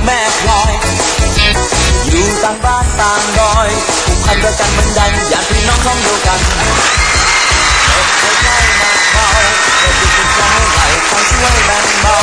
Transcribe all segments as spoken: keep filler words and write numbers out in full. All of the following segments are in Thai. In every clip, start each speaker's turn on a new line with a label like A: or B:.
A: แม่พลอยอยู่ต่างบ้านต่างดอยผูกพันด้วยกันเหมือนดังอย่างพี่น้องท้องเดียวกันเด็กใกล้ๆมาคอยเด็กเป็นใจไหลคอยช่วยแบ่งเบา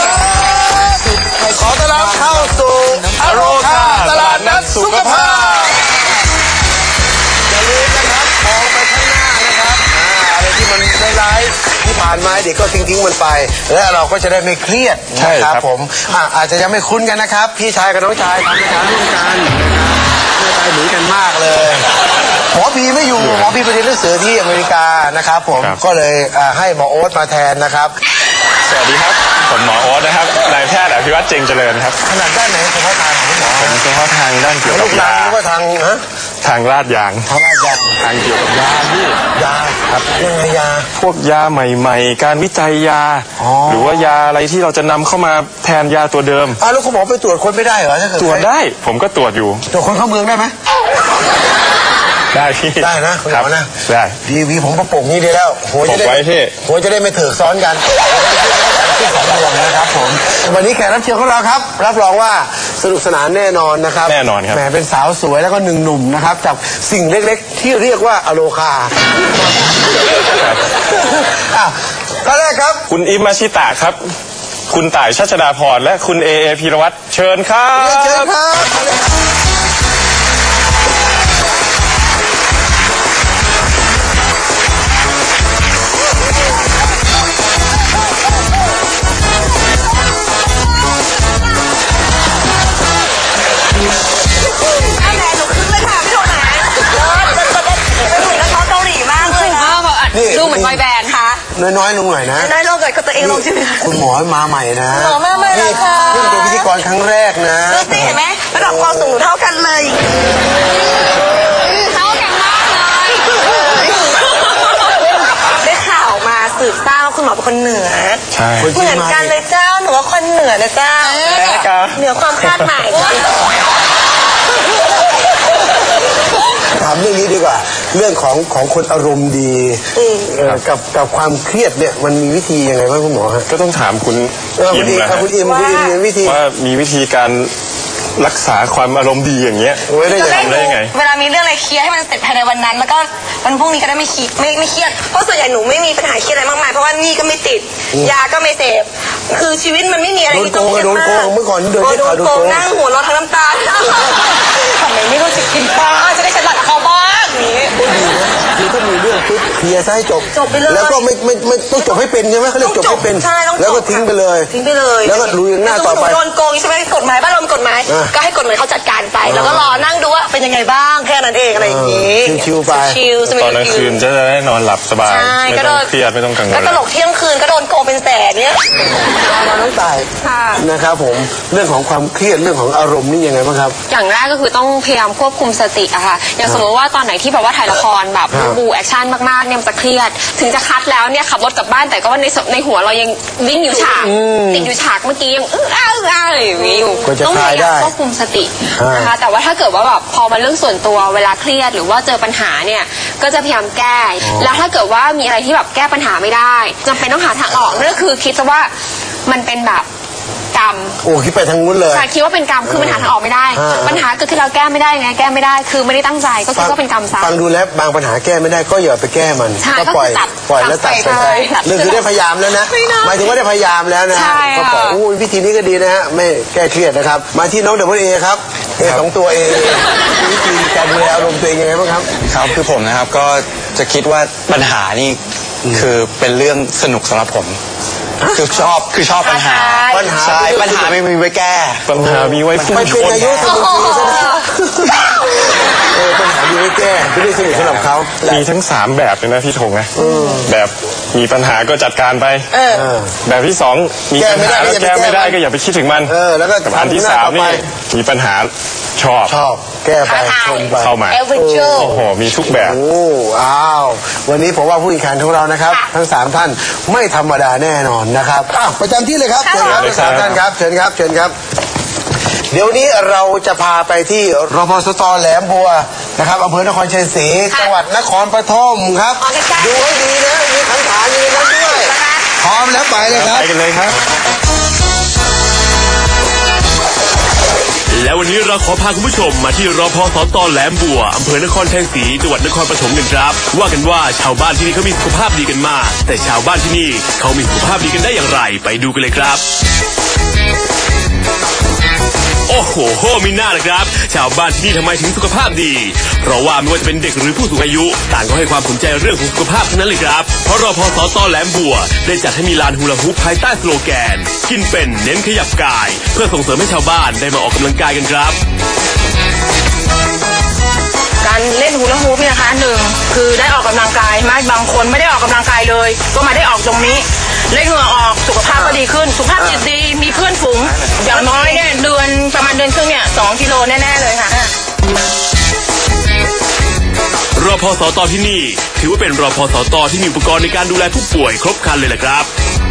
B: ขอต้อนรับเข้าสู่อโรคาตลาดนัดสุขภาพอย่าลืมนะครับมองไปข้างหน้านะครับอะไรที่มันร้ายๆที่ผ่านมาเด็กก็ทิ้งๆมันไปและเราก็จะได้ไม่เครียดนะครับผมอาจจะยังไม่คุ้นกันนะครับพี่ชายกับน้องชายทำรายการร่วมกันนะครับเหมือนกันมากเลยหมอพีไม่อยู่หมอพีไปเรียนหนังสือที่อเมริกานะครับผมก็เลยให้หมอโอ๊ตมาแทนนะครับ
C: สวัสดีครับผมหมอโอ๊ตนะครับนายแพทย์อภิวัตรเจงเจริญครับ
B: ขนาดด้านไหนเฉพาะทางของหมอ
C: ผมเฉพาะทางด้านเกี่ยวกับยา
B: หรือว่าทางฮะ
C: ทางลาดยาง
B: ทางลาดยาง
C: ทางเกี่ยวกับยาที่
B: ยาครับยังไงยา
C: พวกยาใหม่ๆการวิจัยยาหรือว่ายาอะไรที่เราจะนำเข้ามาแทนยาตัวเดิม
B: อ้าวแล้วคุณหมอไปตรวจคนไม่ได้เหรอ
C: ตรวจได้ผมก็ตรวจอยู่
B: ตรวจคนเข้าเมืองได้ไหม
C: ได้พี่
B: ได้นะคุณหมอนะ
C: ได้
B: ดีวีผมประปงนี้ดีแล้ว
C: หัวจะได้
B: หัวจะได้ไม่ถือซ้อนกันที่สองดวงนะครับผมวันนี้แขกรับเชิญของเราครับรับรองว่าสนุกสนานแน่นอนนะครับ
C: แน่นอนครับ
B: แหมเป็นสาวสวยแล้วก็หนึ่งหนุ่มนะครับจากสิ่งเล็กๆที่เรียกว่าอโลคาก็แรกครับ
C: คุณอิมมาชิตะครับคุณต่ายชัชดาพรและคุณเอเอพีรวัตรเชิญครับ
B: เชิญครับ
D: ดูเหมือนไวแบนค่ะ
B: น้อยๆลงหน่อยนะ
D: น้อยๆลงหน่อยก็ตัวเองลงใช่ไหม
B: คุณหมอมาใหม่นะ
D: หมอมาใหม่เลยค่ะ
B: เพิ่งเป็นพิธีกรครั้งแรกนะ
D: ดูสิเห็นไหมระดับความสูงเท่ากันเลยเท่ากันมากเลยได้ข่าวมาสืบทราบว่าคุณหมอเป็นคนเหนือ
C: ใช่
D: เหมือนกันเลยเจ้าหนูว่าคนเหนือนะเจ้าเหนือความคาดหมาย
B: ถามเรื่องนี้ดีกว่าเรื่องของของคนอารมณ์ดีกับกับความเครียดเนี่ยมันมีวิธียังไงบ้างคุณหมอฮะ
C: ก็ต้องถามคุณ
B: อิมนะ
C: คุ
B: ณอิมคุณอิมมีวิธี
C: ว่ามีวิธีการรักษาความอารมณ์ดีอย่างเงี้ย
D: จะทำได้ยังไงเวลามีเรื่องอะไรเคลียร์ให้มันเสร็จภายในวันนั้นแล้วก็วันพรุ่งนี้ก็ได้ไม่คิดไม่ไม่เครียดเพราะส่วนใหญ่หนูไม่มีปัญหาเครียดอะไรมากมายเพราะว่านี่ก็ไม่ติดยาก็ไม่เสพคือชีวิตมันไม่มีอะไรที่ต้องเครียดมาก
B: เมื่อก่อนโดน
D: โดนโกงนั่งหัวเราะทั้งน้ำตาทำไมไม่รู้สึกกินปลาจะได้ฉลาดเขาบ้างนี้
B: คือถ้ามีเรื่องปุ๊บเคลียร์ซะให้จบ
D: จบไปเลย
B: แล้วก็ไม่ไม่ไม่ต้องจบให้เป็นใช่ไหมเขาเรียกจบให้เป็นแล้วก็ทิ้งไปเลย
D: ทิ้งไปเลย
B: แล้วก็ลุยหน้าต่อไป
D: โดนโกงใช่ไหมกฎหมายบ้านเรากฎหมายก็ให้กฎหมายเขาจัดการไปแล้วก็รอนั่งดูว่าเป็นยังไงบ้างแค่นั้นเองอะไรอย่างนี้
B: ชิวๆไป
D: ชิว
C: ตอนกลางคืนจะได้นอนหลับสบายไม่ต้องเครียดไม่ต้องกังวล
D: ก็ตลกเที่ยงคืนก็โดนโกงเป็นแสนเนี้ย
B: เราต้องตายนะครับผมเรื่องของความเครียดเรื่องของอารมณ์นี่ยังไงบ้างครับ
D: อย่างแรกก็คือต้องพยายามควบคุมสติอะค่ะอย่างสมมติว่าตอนไหนที่แบบว่าถ่ายละครแบบบูแอคชั่นมากๆเนี่ยมันจะเครียดถึงจะคัดแล้วเนี่ยขับรถกลับบ้านแต่ก็ว่าในในหัวเรายังวิ่งอยู่ฉากติดอยู่ฉากเมื่อกี้ยังอื้ออ้าอื้ออ้าอะไรอย่างนี้อยู่ต้องพยายามควบคุมสตินะคะแต่ว่าถ้าเกิดว่าแบบพอมาเรื่องส่วนตัวเวลาเครียดหรือว่าเจอปัญหาเนี่ยก็จะพยายามแก้แล้วถ้าเกิดว่ามีอะไรที่แบบแก้ปัญหาไม่ได้จำเป็นต้องหาทางออกนั่นก็คือคิดซะว่ามันเป็นแบบกรรม
B: โอ้คิดไปทางนู้นเลย
D: ใช่คิดว่าเป็นกรรมคือมันหาทางออกไม่ได้ปัญหาเกิดขึ้นเราแก้ไม่ได้ไงแก้ไม่ได้คือไม่ได้ตั้งใจก็คิดว่าเป็นกรรมซะ
B: ฟังดูแล้วบางปัญหาแก้ไม่ได้ก็อย่าไปแก้มันก็ปล่อยปล่อยแล้วตัดไปเรื่องคือได้พยายามแล้วนะหมายถึงว่าได้พยายามแล้วนะก็บอกอู้วิธีนี้ก็ดีนะฮะไม่แก้เครียดนะครับมาที่น้องเดบิวต์เอครับเอสองตัวเอวิธีการดูแลอารมณ์ตัวเองยังไงบ้างครับ
E: ครับคือผมนะครับก็จะคิดว่าปัญหานี่คือเป็นเรื่องสนุกสำหรับผมคือชอบคือชอบปัญหาปัญหาปัญหาไม่มีไว้แก้
C: ปัญหามีไว้
B: ฟุ้งชนไม่เป็นอายุสมุนไพรซะนะเออปัญหามีไว้แก้ไม่ได้สนุกสำหรับเขา
C: มีทั้งสามแบบเลยนะพี่ธงนะแบบมีปัญหาก็จัดการไปแบบที่สองมีปัญหาแล้วแก้ไม่ได้ก็อย่าไปคิดถึงมัน
B: แล้วก็
C: อันที่สามนี่มีปัญหาชอบ
B: ชอบแก้ไปชนไป
C: เข้ามาโอ้โหมีทุกแบบ
B: โอ้อ้าววันนี้ผมว่าผู้แข่งขันของเรานะครับทั้งสามท่านไม่ธรรมดาแน่นอนนะครับอ้าวประจำที่เลยครับเชิญครับทั้งสามท่านครับเชิญครับเชิญครับเดี๋ยวนี้เราจะพาไปที่รพสตแหลมบัวนะครับอำเภอนครชัยศรีจังหวัดนครปฐมครับดูให้ดีนะมีขันฐานอยู่นั้นด้วยพร้อมแล้วไปเลยครับ
C: ไปกันเลยครับ
F: วันนี้เราขอพาคุณผู้ชมมาที่รพสตแหลมบัวอำเภอนครชัยศรีจังหวัดนครปฐมกันครับว่ากันว่าชาวบ้านที่นี่เขามีสุขภาพดีกันมากแต่ชาวบ้านที่นี่เขามีสุขภาพดีกันได้อย่างไรไปดูกันเลยครับโอ้โหโหมีหน้าเลยครับชาวบ้านที่นี่ทำไมถึงสุขภาพดีเพราะว่าไม่ว่าจะเป็นเด็กหรือผู้สูงอายุต่างก็ให้ความสนใจเรื่องของสุขภาพทั้งนั้นเลยครับเพราะรพสตแหลมบัวได้จัดให้มีลานฮูลาฮูปภายใต้สโลแกนกินเป็นเน้นขยับกายเพื่อส่งเสริมให้ชาวบ้านได้มาออกกำลังกายกันครับ
G: การเล่นฮูลาฮูปเนี่ยนะคะหนึ่งคือได้ออกกำลังกายไหมบางคนไม่ได้ออกกำลังกายเลยก็มาได้ออกตรงนี้เล่นเหงื่อออกสุขภาพก็ดีขึ้นสุขภาพจิตดีมีเพื่อนฝูงอย่างน้อยเนี่ยเดือนประมาณเดือนครึ่งเนี่ยสองกิโลแน่ๆเลยค่ะ
F: รพสตที่นี่ถือว่าเป็นรพสตที่มีอุปกรณ์ในการดูแลผู้ป่วยครบครันเลยแหละครับ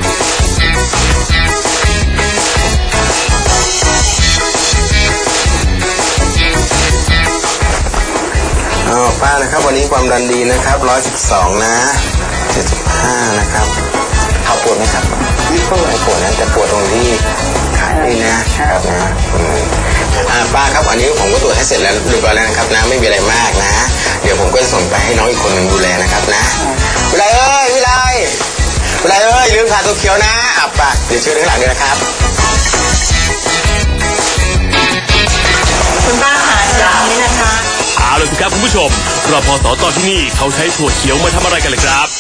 B: อ๋อป้านะครับวันนี้ความดันดีนะครับร้อยสิบสองนะเจ็ดสิบห้านะครับเขาปวดไหมครับนี่ก็ไม่ปวดนะแต่ปวดตรงที่ขานี่นะครับนะอ่าป้าครับอันนี้ผมก็ตรวจให้เสร็จแล้วเรียบร้อยแล้วนะครับนะไม่มีอะไรมากนะเดี๋ยวผมก็จะส่งไปให้น้องอีกคนหนึ่งดูแลนะครับนะวิไลเอ้ยวิไลวิไลเอ้ยลืมขาตัวเขียวนะอับปากเดี๋ยวช่วยข้างหลังด้วยนะครับ
G: คุณป้าหาอย่างนี้นะคะ
F: เอาเลยครับคุณผู้ชมรพสตที่นี่เขาใช้ถั่วเขียวมาทำอะไรกันเลยครับ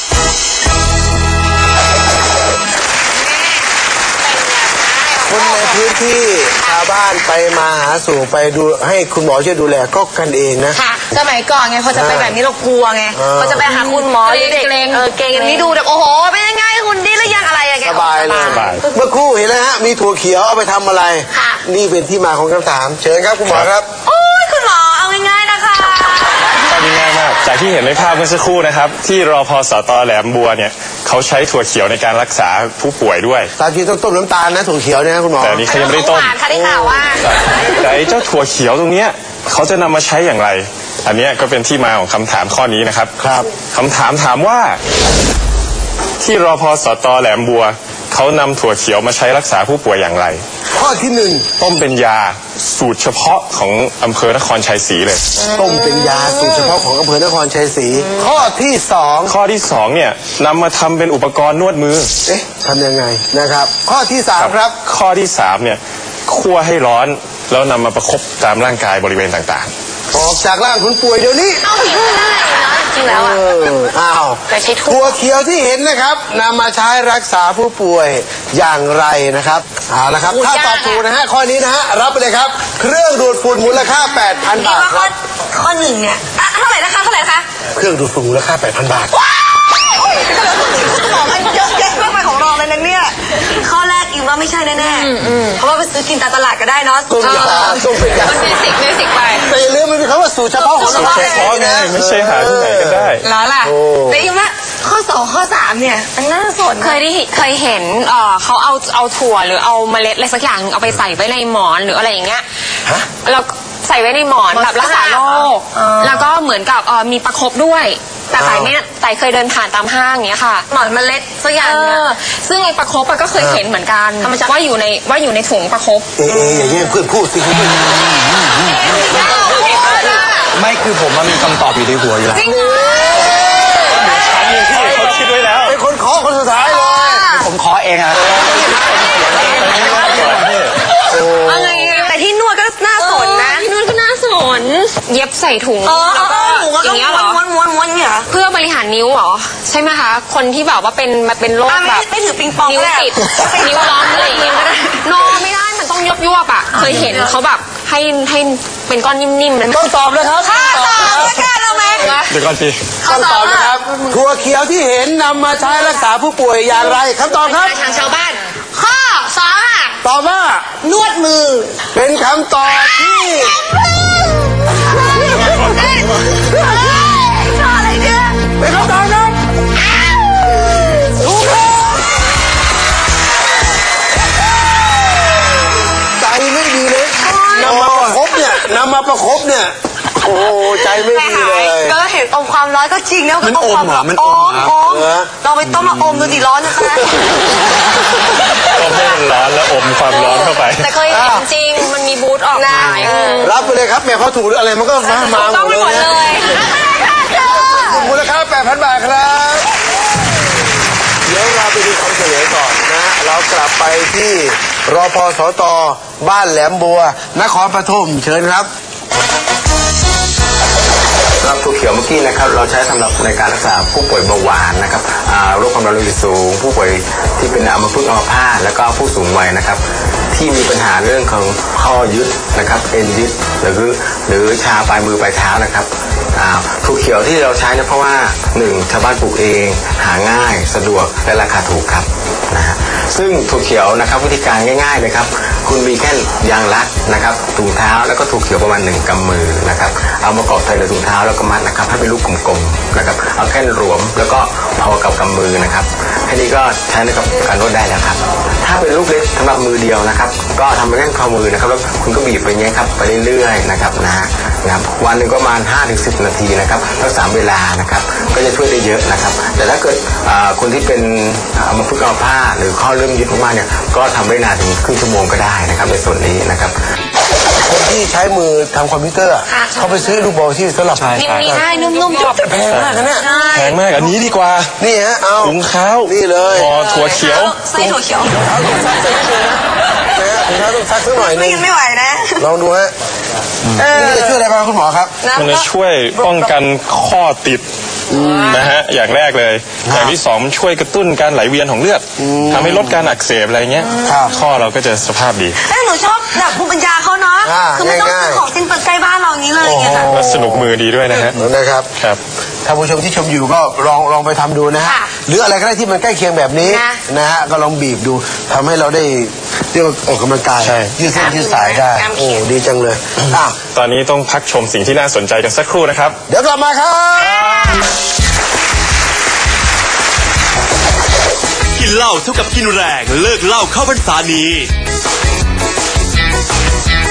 B: คนในพื้นที่ชาวบ้านไปมาหาสู่ไปดูให้คุณหมอช่วยดูแลก็กันเองนะ
G: ค่ะสมัยก่อนไงพอจะไปแบบนี้เรากลัวไงพอจะไปหาคุณหมอเด็กเออเก่งนี่ดูแบบโอ้โหเป็นยังไงคุณดีหรือยังอะไรอะแก
B: สบายเลยเมื่อครู่เห็นแล้วฮะมีถั่วเขียวเอาไปทำอะไรนี่เป็นที่มาของคำถามเชิญครับคุณหมอครับ
G: โอ้ยคุณหมอเอาง่ายๆนะคะ
C: ตอนนี้ง่ายมากจากที่เห็นในภาพเมื่อสักครู่นะครับที่รพสตแหลมบัวเนี่ยเขาใช้ถั่วเขียวในการรักษาผู้ป่วยด้วย
B: ตามจริงต้องต้มน้ำตาลนะถั่วเขียวเนี่ยคุณหมอ
C: แต่นี่เขายังไม่ได้ต้ม
G: ค่ะได้ข่าวว่า
C: แต่ไอ้เจ้าถั่วเขียวตรงเนี้ยเขาจะนำมาใช้อย่างไรอันนี้ก็เป็นที่มาของคำถามข้อนี้นะครับ
B: ครับ
C: คำถามถามว่าที่รพสตแหลมบัวเขานำถั่วเขียวมาใช้รักษาผู้ป่วยอย่างไร
B: ข้อที่หนึ่ง
C: ต้มเป็นยาสูตรเฉพาะของอำเภอนครชัยศรีเลย
B: ต้มเป็นยาสูตรเฉพาะของอำเภอนครชัยศรีข้อที่สอง
C: ข้อที่สองเนี่ยนำมาทำเป็นอุปกรณ์นวดมือ
B: เอ๊ะทำยังไงนะครับข้อที่สามครับ
C: ข้อที่สามเนี่ยคั่วให้ร้อนแล้วนำมาประคบตามร่างกายบริเวณต่าง
B: ๆออกจากร่างคนป่วยเดี๋ยวนี้
G: เอาได้จริงแล้วอ่ะ
B: อ้าว
G: แต่ใช้
B: ถั่วเขียวที่เห็นนะครับนำมาใช้รักษาผู้ป่วยอย่างไรนะครับเอาละครับถ้าตอบถูกนะฮะข้อนี้นะฮะรับไปเลยครับเครื่องดูดฝุ่นมูลค่า แปดพัน บาทครับ
G: ข้อหนึ่งเนี่ยเท่าไหร่นะคะเท่าไหร่คะ
B: เครื่องดูดฝุ่นมูลค่า แปดพัน บาท
G: ของมันเยอะแยะมากมายของเราเลยนะเนี่ยข้อแรกอิมว่าไม่ใช่แน่ๆเพราะว่าไปซื้อกินตามตลาดก็ได้เนาะ
B: ต้มยาต้มเป็นยา
D: มันเบสิกเบสิกไป
B: แต่อย่าลืมมันเป็นคำว่าสูตรเฉพาะของเรา
C: เฉพาะไงไม่ใช่หาที่ไหนก็ได้
G: แล้วล่ะแต่อิมว่าข้อสองข้อสามเนี่ยมันน่าสน
D: เคยได้เคยเห็นเอ่อเขาเอาเอาถั่วหรือเอาเมล็ดอะไรสักอย่างเอาไปใส่ไว้ในหมอนหรืออะไรอย่างเงี้ยแล้วใส่ไว้ในหมอนแบบรักษาโรคแล้วก็เหมือนกับมีประคบด้วยแต่ไต่ไม่ไต่เคยเดินผ่านตามห้างอย่างเงี้ยค่ะ
G: หมอนเมล็ดสักอย่างเนี่ย
D: ซึ่งไอ้ประคบก็เคยเห็นเหมือนกันว่าอยู่ในว่าอยู่ในถุงประคบ
B: เอ๊ะอย่างเงี้ยเพื่อนพูดสิคุณ
E: ไม่คือผมมันมีคำตอบอยู่ในหัวอยู่แล้ว
G: จริงเหรอ
C: เขาคิดไว้แล้ว
B: เป็นคนขอคนสุดท้ายเลย
E: ผมขอเองอะ
G: อะไรแต่ที่นวดก็น่าสนนะ
D: ที่นวดก็น่าสนเย็บใส่ถุงแล้วก็อย่างเงี้ยเหรอ
G: ม้วนม้วนม้วนเนี่ย
D: เพื่อบริหารนิ้วเหรอใช่ไหมคะคนที่แบบว่าเป็นมาเป็นโรคแบบ
G: ไม่ถือปิงปอง
D: นิ้วติดนิ้วล้อมอะไรอย่างเงี้ยก็ได้นอนไม่ได้มันต้องยบยวบอ่ะเคยเห็นเขาแบบให้ให้เป็นก้อนนิ่มๆ
B: ต้องตอบเลยครับ
G: ค่ะตอบแล้วกันเอาไหม
C: เดี๋ยวก่อนสิ
B: คำตอบนะครับถั่วเขียวที่เห็นนำมาใช้รักษาผู้ป่วยอย่างไรคำตอบครับ
G: ทางชาวบ้านข้อสองค่ะ
B: ตอบว่าน
G: วดมือ
B: เป็นคำตอบที่
G: อะไรเนี่ย
B: เป็นคำตอบครับถูกครับใจไม่ดีเลยนำมาประคบเนี่ยนำมาประคบเนี่ยโอ้ใจไม่ดีเลย
G: ก็เห็นอมความร้อนก็จริงนะ
E: มันอมเหรอมันอม
G: อมเราไปต้มมาอมดูดิร้อนนะคะ
C: ต้มให้มันร้อนแล้วอมความร้อนเข้าไป
D: แต่เคยเห็นจริงมันมีบูดออกมา
B: รับไปเลยครับแม่พอถูกหรืออะไรมันก็มามาหม
D: ต้อง
B: ด
D: ไป
B: เลย
D: หมด
B: นะ
D: เลย
B: มูลค่า แปดพัน บาทครับเดี๋ยวเราไปดูคำเฉลยก่อนนะเรากลับไปที่รพสตบ้านแหลมบัวนครปฐมเชิญครับ
E: ครับถั่วเขียวเมื่อกี้นะครับเราใช้สำหรับในการรักษาผู้ป่วยเบาหวานนะครับโรคความดันโลหิตสูงผู้ป่วยที่เป็นอัมพฤกษ์อัมพาตแล้วก็ผู้สูงวัยนะครับที่มีปัญหาเรื่องของข้อยึดนะครับเอ็นยึดหรือหรือชาปลายมือปลายเท้านะครับถั่วเขียวที่เราใช้เนี่ยเพราะว่าหนึ่งชาวบ้านปลูกเองหาง่ายสะดวกและราคาถูกครับนะฮะซึ่งถั่วเขียวนะครับวิธีการง่ายๆเลยครับคุณมีแค่ยางรัดนะครับถุงเท้าแล้วก็ถั่วเขียวประมาณหนึ่งกำมือนะครับเอามากรอกใส่ในถุงเท้าแล้วก็มัดนะครับให้เป็นลูกกลมๆนะครับเอาแค่หลวมแล้วก็พอกับกำมือนะครับแค่นี้ก็ใช้ในกับการนวดได้แล้วครับถ้าเป็นลูกเล็กสำหรับมือเดียวนะครับก็ทำเป็นแค่ข้อมือนะครับแล้วคุณก็บีบไปเงี้ยครับไปเรื่อยๆนะครับนะนะครับวันหนึ่งก็ประมาณ ห้าถึงสิบ นาทีนะครับรักษาเวลานะครับก็จะช่วยได้เยอะนะครับแต่ถ้าเกิดคนที่เป็นอัมพฤกษ์อัมพาตหรือข้อเริ่มยึดมากๆเนี่ยก็ทำได้นานถึงครึ่งชั่วโมงก็ได้นะครับในส่วนนี้นะครับ
B: คนที่ใช้มือทำคอมพิวเตอร์เขาไปซื้อลูกบอลที่สำหรับ
D: นิ่มๆใช่นุ่มๆจบ
B: แพงมากนะเนี่ย
C: แพงมากอันนี้ดีกว่า
B: นี่ฮะเอา
C: ถุงเท้า
B: นี่เลย
C: พอถั่วเขียว
D: ไส้ถั่วเขียว
B: ถุงเท้าต้องซักสักนิดนึงนะนะฮะถุงเท้าต้องซักสักหน่อยนึง
D: ไม่ไหวนะ
B: ลองดูฮะนี่จะช่วยอะไรบ้างคุณหมอครับ
C: มันจะช่วยป้องกันข้อติดนะฮะอย่างแรกเลยอย่างที่สองมันช่วยกระตุ้นการไหลเวียนของเลือดทำให้ลดการอักเสบอะไรเงี้ยข้อเราก็จะสภาพดี
H: แต่หนูชอบแบบภูมิปัญญาเขาเนาะคือไม่ต้องซื้อของสิ้นเปลืองใกล้บ้านเราอย่างนี้เลยไงค่ะ
C: และสนุกมือดีด้วยนะฮะ
B: นะครับ
C: ครับ
B: ท่านผู้ชมที่ชมอยู่ก็ลองลองไปทำดูนะฮะหรืออะไรก็ได้ที่มันใกล้เคียงแบบนี้นะฮะก็ลองบีบดูทำให้เราได้เรียกว่าออกกำลังกาย
C: ใช่
B: ยืดเส้นยืดสายได้โอ้ดีจังเลยอ้าว
C: ตอนนี้ต้องพักชมสิ่งที่น่าสนใจกันสักครู่นะครับ
B: เดี๋ยวกลับมาครับ
F: กินเหล้าเท่ากับกินแรงเลิกเหล้าเข้าพรรษานี้